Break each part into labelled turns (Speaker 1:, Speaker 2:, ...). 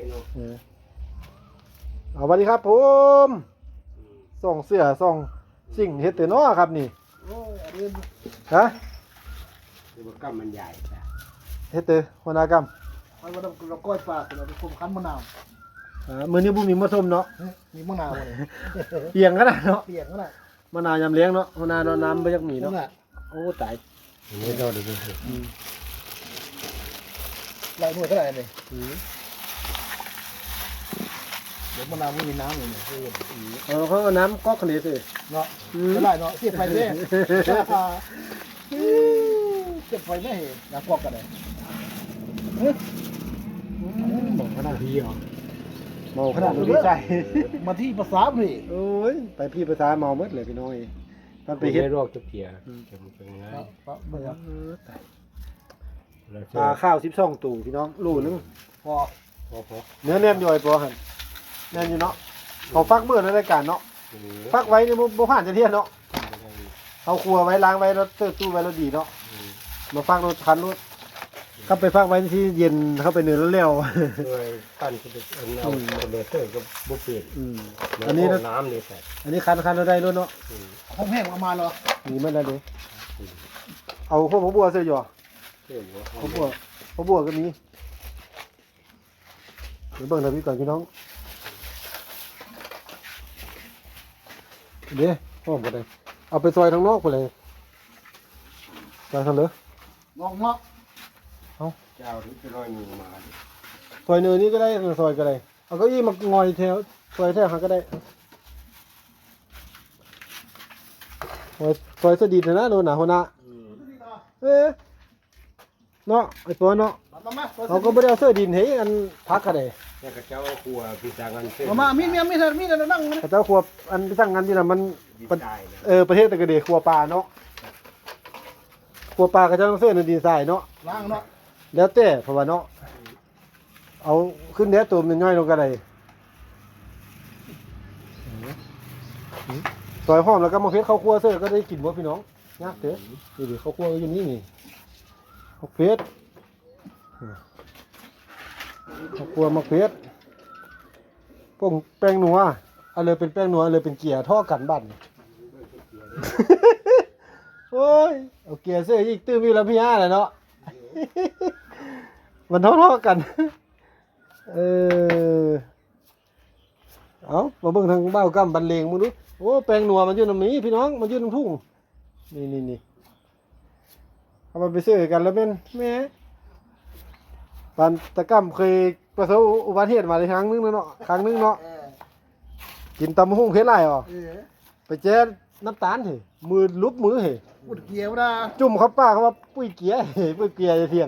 Speaker 1: เอาสวัสดีครับผมส่องเสือส่องสิ่งเฮ็ดแต่น้อครับนี่ฮะ
Speaker 2: คือว่ากำมันใหญ่จ้ะ
Speaker 1: เฮ็ดแต่หัวหน้ากรรม
Speaker 3: มันว่าเราก้อยปลาเราไปคุมคั้นมะนาว
Speaker 1: มื้อนี้บ่มีมะส้มเนาะ
Speaker 3: มีมะนาวเลย
Speaker 1: เปียงขนาดเนาะ
Speaker 3: เปลี่ยนก็ได้
Speaker 1: มะนาวยำเลี้ยงเนาะหัวหน้าเนาะน้ำบ่จักมี
Speaker 3: นั่
Speaker 1: เนาะ
Speaker 3: นแหละ
Speaker 1: โอ้ตาย
Speaker 2: อันนี้เราดูดู
Speaker 3: หลายหน่วยเท่าไหร่เนี่ยเดี๋ยวมะนาวไม่มีน้ำเลยเนี่ย
Speaker 1: เขาเอาน้ำก๊อกคันนี้สิ
Speaker 3: เนาะเท่าไหร่เนาะเสียบไฟด้วยเสียบไฟไม่เห็นน้ำกอกกันเลย
Speaker 1: บอกขนาดพี่เหรอเมาขนาดนี้ใจ
Speaker 3: มาที่ภาษาพี่
Speaker 1: โอ้ยไปพี่ภาษาเมาหมดเลยพี่น้อยมัน
Speaker 2: ไป
Speaker 1: ไป
Speaker 2: เฮ็
Speaker 1: เฮ็
Speaker 2: ด
Speaker 1: ด
Speaker 2: โรคจะเพียจะมันเป็นไง
Speaker 3: เบื่อ
Speaker 1: ตาย
Speaker 2: เรา
Speaker 1: ปลาข้าว12ตู่พี่น้องโลนึง
Speaker 3: พอ
Speaker 2: พอ
Speaker 1: เนื้อแน่นอยู่ไอ้ปอหั่นแน่นอยู่เนาะเขาฟักมื้อในรายการเนาะฟักไว้นี่บ่ผ่านจะเที่ยเนาะเอาครัวไว้ล้างไว้แล้วเติร์ตู้ไว้แล้วดีเนาะมาฟักรถคันรถก็ไปฟักไว้ที่เย็นเข้าไปเนื้อแล้วแล้ว
Speaker 2: ด้วยปั้นจะเป็นเอาเลเซอร์ก็บุฟเฟ่ต์
Speaker 1: อันนี้
Speaker 2: น้ำนี่ใส่
Speaker 1: อันนี้คันเราได้รถเนาะ
Speaker 3: ห้องแห้งประมาณเหรอ
Speaker 1: มีมันแล้วเด้เอาพวกบัวเสื้อหยอ
Speaker 2: เสื้อหัว
Speaker 1: พวกบัวก็มีเดี๋ยวเบิ่งทางนี้ก่อนพี่น้องเดี๋ยวพ่อมกันเลยเอาไปซอยทางนอกไปเลยซอยทางเลย
Speaker 3: งอกงอก
Speaker 2: เจ้าที่จะร้อยมีมา
Speaker 1: ซอยเนื้อนี้ก็ได้ซอยก็ได้เอาเก้าอี้มางอยแถวซอยแถวหาก็ได้ซอยสดีนะโดนหนาหัวหน้าเนาะไอ้ตัวเนาะ
Speaker 3: มา
Speaker 1: เขาก็ไม่ได้เอาเสื้อดินให้อันพักกันเลย
Speaker 2: แต่กระเจ้าครัวพิจารณาเสื้อ
Speaker 3: มามีนั่ง
Speaker 1: แต่เจ้าครัวอันไปสั่งงานที่นั่นมัน
Speaker 2: ดีใจนะ
Speaker 1: ประเทศตะกะเดครัวปลาเนาะครัวปลาก็จะต้องเสื้อในดินทรายเนาะ
Speaker 3: ล้างเนาะ
Speaker 1: แล้วแต่เพราะว่าเนาะเอาขึ้นแน่ตัวมันย่อยลงกันเลยซอยหอมแล้วก็มาเพชรข้าวคั่วเสื้อก็ได้กินบ่พี่น้องยากเถอะนี่ดิข้าวคั่วอยู่นี่นี่ข้าวเพชรข้าวคั่วมะเพชรพวกแป้งนัวเอาเลยเป็นแป้งนัวเอาเลยเป็นเกียร์ท่อกันบั่น โอ้ยเอาเกียร์เสื้ออีกตื้อมีแล้วพี่ย่าเลยเนาะ มันเท่าๆกัน เอามาเบิ่งทางบ้าวกำบันเลงมึงดูโอ้แปลงหนัวมันอยู่น้ำนี้พี่น้องมันอยู่น้ำทุ่งนี่เอามาไปซื้อกันแล้วเป็นแม่ปันตะกำเคยประสบอุบัติเหตุมาในครั้งนึงเนาะกินตำหุ่งเพชรไรอ่ะไปแจ้น้ำตาลเหรมือลุบมือเหร
Speaker 3: ปุดเกียวนะ
Speaker 1: จุ่มเขาป้าเขาว่าปุ้ยเกียร์ ปุ้ยเกียร์จะเถียง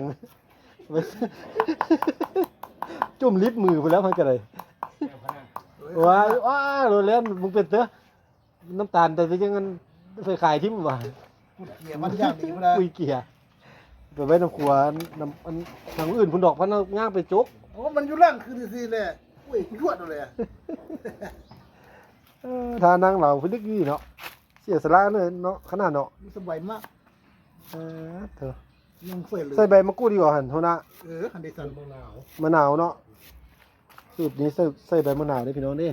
Speaker 1: จุ่มลิฟต์มือไปแล้วมันก็เลยว้าโรแลนมึงเป็นเถอะน้ำตาลแต่ไปยังงั้นไปขายทิ้มว่ะ
Speaker 3: ปุดเกียวมันอย่างดีนะ
Speaker 1: ปุ้ยเกียร์ไปไว้น้ำขวานทางอื่นพุ่นดอกพันง่างไปจก
Speaker 3: โอ้มันอยู่ล่างคือสิเลยอุ้ยยวดเลย
Speaker 1: ทานั่งเราพิลึกยี่เนาะเสียสละเลยเนาะขนาดเนาะ
Speaker 3: สบายมาก
Speaker 1: เถอะ
Speaker 3: ยังเฟื่อยเลย
Speaker 1: ใส่ใบมะกรูดดีกว่าหันโทนะ
Speaker 3: คันดิสัน
Speaker 1: มะนาวเนาะสูตรนี้ใส่ใบมะนาวได้พี่น้องเด่น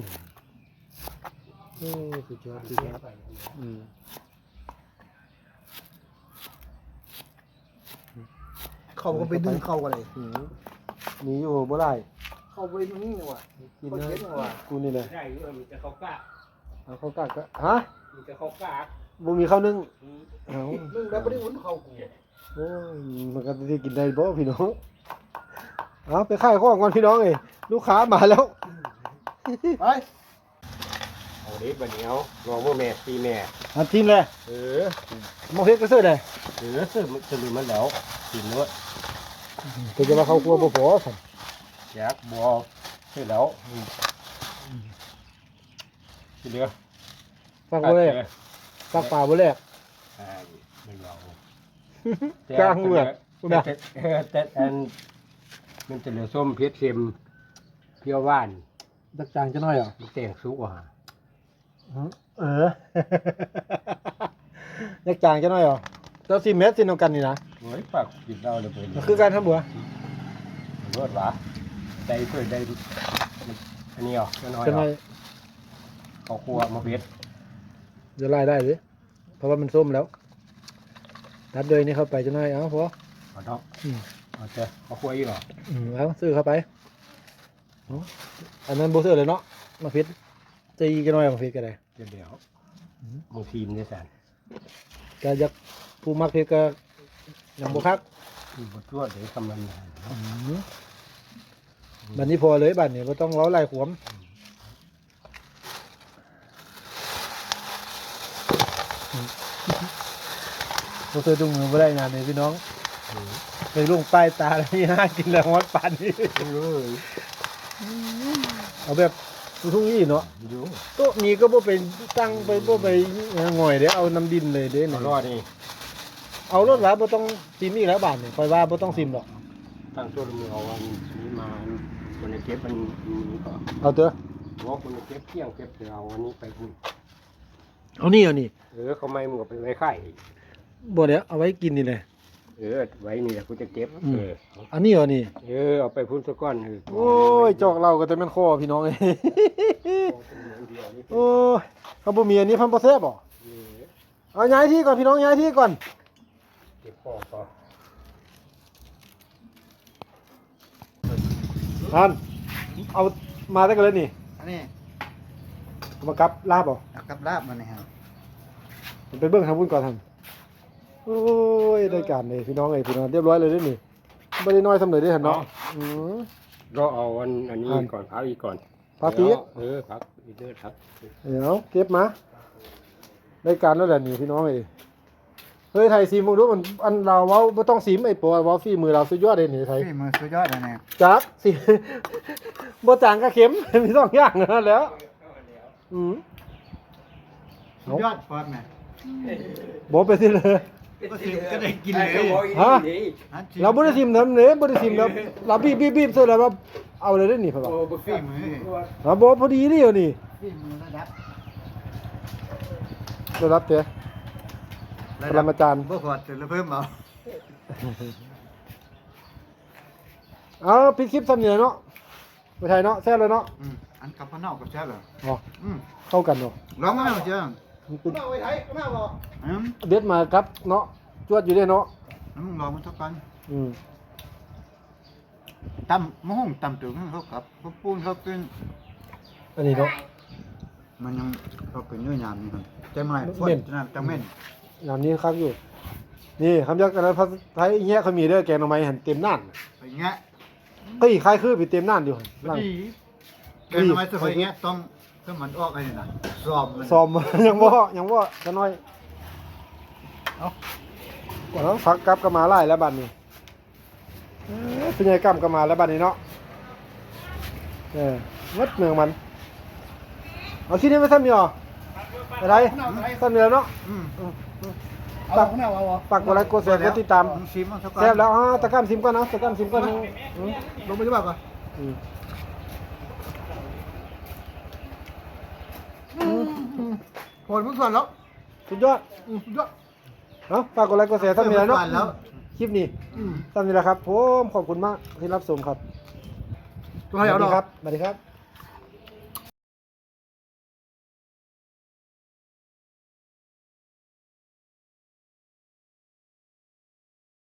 Speaker 1: สุดยอด
Speaker 3: เข้าก็ไปดึงเข้ากันเลย
Speaker 1: มีอยู่บ่ได้
Speaker 3: เข้าไปตรงนี้เลยว่ะ
Speaker 1: กินนะกูนี่เลย
Speaker 2: ได้มีแต่เขากล้า
Speaker 1: เอาข้าวกากก็ฮะ
Speaker 2: มีแต่เขากล้า
Speaker 1: บ่มีข้าวนึ่งเอา
Speaker 3: นึ่งแล้วไม่ได้อุ่นเข้ากู
Speaker 1: โอ้ยมันก็จะกินได้บ่พี่น้องเอาไปขายของก่อนพี่น้องเอ้ยลูกค้ามาแล้ว
Speaker 3: ไป
Speaker 2: เอาดิบัดเนี้ยรอเมื่อแม่ตีแม่
Speaker 1: อันทีมเลย มองเฮ็ดก็ซื้อได้
Speaker 2: เสื้อมันจะลืมมันแล้วกินเนื้อ
Speaker 1: ก็จะมาเข้าครัวบ่พอซั่น
Speaker 2: อยากบัวเสร็จแล้วทีเดียว
Speaker 1: ฟังบ่แลกฟักป่าบ่แลก
Speaker 2: ไม่เอา
Speaker 1: กลางเมืองนะ
Speaker 2: แต่อันมันจะเหลือส้มเผ็ดเค็มเปรี้ยวหวาน
Speaker 1: ดักจางจะน้อยเหรอ
Speaker 2: มันแต่งสุกว่ะ
Speaker 1: ดักจางจะน้อยเหรอเจ้า4 เม็ดสินำกันนี่นะ
Speaker 2: โอ้ยปากกินเราเลยไป
Speaker 1: คือการทำบัว
Speaker 2: รวดหวะ
Speaker 1: อ
Speaker 2: ได้เพื่อได้อันนี้อ่ะน้อย
Speaker 1: จะ
Speaker 2: ๆ
Speaker 1: น้อย
Speaker 2: เขาครัวมาเพชร
Speaker 1: จะไล่ได้หรือเพราะว่ามันส้มแล้วตัดเลยนี่เข้าไปจะน้อยเอาพอ
Speaker 2: เอาเนาะ
Speaker 1: อืม
Speaker 2: เอาเจ้าเขาครัวอีกเหรอ
Speaker 1: เอาซื้อเข้าไปเอาอันนั้นโบเซอร์เลยเนาะมาพิษจะอีกันน้อยมาพิษก็ได้
Speaker 2: เดี๋ยวมือทีมเนี่ยสัน
Speaker 1: ก็อยากผู้มักพิษก็ยังบ่คัก
Speaker 2: บทตัวเดี๋ยวกำลังงานเนาะ
Speaker 1: บัดนี้พอเลยบัดนี้บ่ต้องเล้าไล่ขวมบ่เคยดุงมือบ่ได้งานเลยพี่น้องไปลุงป้ายตาแล้วนี่หากินแล้วฮอดปานนี้
Speaker 2: เอ้ย
Speaker 1: เอาแบบทุ่งๆนี่เนาะ
Speaker 2: อยู่
Speaker 1: โต๊ะนี้ก็บ่ไปตั้งไปบ่ไปหง่อยเด้เอาน้ำดินเลยเด้
Speaker 2: เอา
Speaker 1: นี่
Speaker 2: รอดนี่
Speaker 1: เอารถว่าบ่ต้องซิมอีกแล้วบาดนี่ค่อยว่าบ่ต้องซิมดอก
Speaker 2: ตั้งตัวมือเอาวันนี้มาคนในเก็บมันนี้ก็
Speaker 1: เอาเถอะ
Speaker 2: บอกคนในเก็บเที่ยงเก็บเอาวันนี้ไปคุณ
Speaker 1: เอานี่เอานี่
Speaker 2: เขาไม่มึงก็ไปไว้ไข่
Speaker 1: บ่เดี๋ยวเอาไว้กินนี่แหละ
Speaker 2: ไว้นี่แหละกูจะเก็บ
Speaker 1: อันนี้เอานี่
Speaker 2: เอาไปพุ่นสักก้อน
Speaker 1: โอ้ยจอกเราก็จะแม่นคอพี่น้องเอ้ยโอ้ยเขาบ่มีอันนี้พันบ่แซ่บบ่เอาย้ายที่ก่อนพี่น้องย้ายที่ก่อน
Speaker 2: เก็บพ่อก็
Speaker 1: ท่านเอามาได้กันเลยนี่
Speaker 3: อันนี้
Speaker 1: เอามากับลาบบ่
Speaker 3: เอากับลาบมาเนี่ยครับ
Speaker 1: ผมไปเบิ่งทางบุญก่อนท่านโอ้ยได้การเลยพี่น้องเอ้ยพี่น้องเรียบร้อยเลยเด้อนี่บ่ได้น้อยสำเร็จเด้อท่านเนาะอือ
Speaker 2: ก็เอาอันนี้ก่อนพักอีกก่อน
Speaker 1: พักอีก
Speaker 2: พักอีกเด้อครับ
Speaker 1: เดี๋ยวเก็บมาได้การแล้วแหละนี่พี่น้องเอ้ยเฮ้ยไทยซีมึงดูมันอันเราเว้าบ่ต้องซีมไอ้ปอเว้าฝีมือเราสุดยอดเลยนี่ไทย
Speaker 3: พี่มือสุดยอดเลยเนี่ย
Speaker 1: จักสิ บ่จางก็เข็ม มีสองอย่างนั่นแหล้วอืม
Speaker 3: สุดยอดฟอดเนี่ย
Speaker 1: บ่ไปสิเลย
Speaker 3: ก็ได้กินเลย
Speaker 1: ฮะเราบ่ได้ซิมทำเด้บ่ได้ซิมแล้วเราบีบๆๆซะแล้วว่าเอาเลยเด้อนี่พ่อว่า
Speaker 3: พี่มือ
Speaker 1: อ่ะบ่พอดีนี่เดี๋ยวนี่
Speaker 3: พี่มือระดับ
Speaker 1: ได้รับเด้อปรมาจารย์
Speaker 3: บ่ขอดจะเพิ่มเอา
Speaker 1: เอาปิดคลิปซ้ำนี่เนาะบ่ใช่เนาะแซ่บเลยเนาะ
Speaker 3: อันกับพะเนากับแช่เหรอ
Speaker 1: อ๋อเข้ากันเนาะ
Speaker 3: ร้องมาแล้วเจ้า
Speaker 1: มันเป็น
Speaker 3: อืม
Speaker 1: เด็ดมาครับเนาะจวดอยู่เด้เนาะ
Speaker 3: มึงลองมันสักกัน
Speaker 1: อืม
Speaker 3: ตำมะฮุ่งตำถึงเขากับเขาปูนเขาเป็น
Speaker 1: อันนี้เนาะ
Speaker 3: มันยังเขาเป็นเนื้อยามนี่ครับใจไม่ฝนนั่นจังเม่น
Speaker 1: ยามนี้คักอยู่ นี่คำยักษ์กันแล้วภาษาไทยอีแยะเขามีเด้อแกงหน่อไม้หันเต็มน่าน
Speaker 3: ไปเงี้ย
Speaker 1: ก็อีกคล้ายคือไปเต็มน่านอยู่นั่ง
Speaker 3: ดีแกทำไมจะไปเงี้ยต้องถ้ามันออกอะไรนะสอบมัน
Speaker 1: ซ้อม ยังบ่จะน้อยเอาก่อนแล้วพักกลับก็มาไล่แล้วบัดนี้เป็นไงกลับก็มาแล้วบัดนี้เนาะมัดเมืองมันเอาที่นี้ไม่ซ้ำอยู่หรออะไรซ้ำอยู่แล้วเนาะ
Speaker 3: เอาหน้าเอา
Speaker 1: ปักกดไลค์กดแชร์กดติดตาม
Speaker 3: ซิมมันสัก
Speaker 1: แซ่บแล้วตะกร้ามซิมก่อนนะตะกร้ามซิมก่อน
Speaker 3: ลงไปจะบอกก่อนผลมันส่วนแล้ว
Speaker 1: สุดยอด
Speaker 3: สุดยอด
Speaker 1: เอาฝากกดไลค์กดแชร์ซ้ำนี้แล้วเนาะ
Speaker 3: แล้ว
Speaker 1: คลิปนี้ซ้ำนี้แหละครับผมขอบคุณมากที่รับชมครับ
Speaker 3: ตัวให้เอา
Speaker 1: สวัส
Speaker 3: ด
Speaker 1: ดี
Speaker 3: อก
Speaker 1: ครับสวัสดีครับ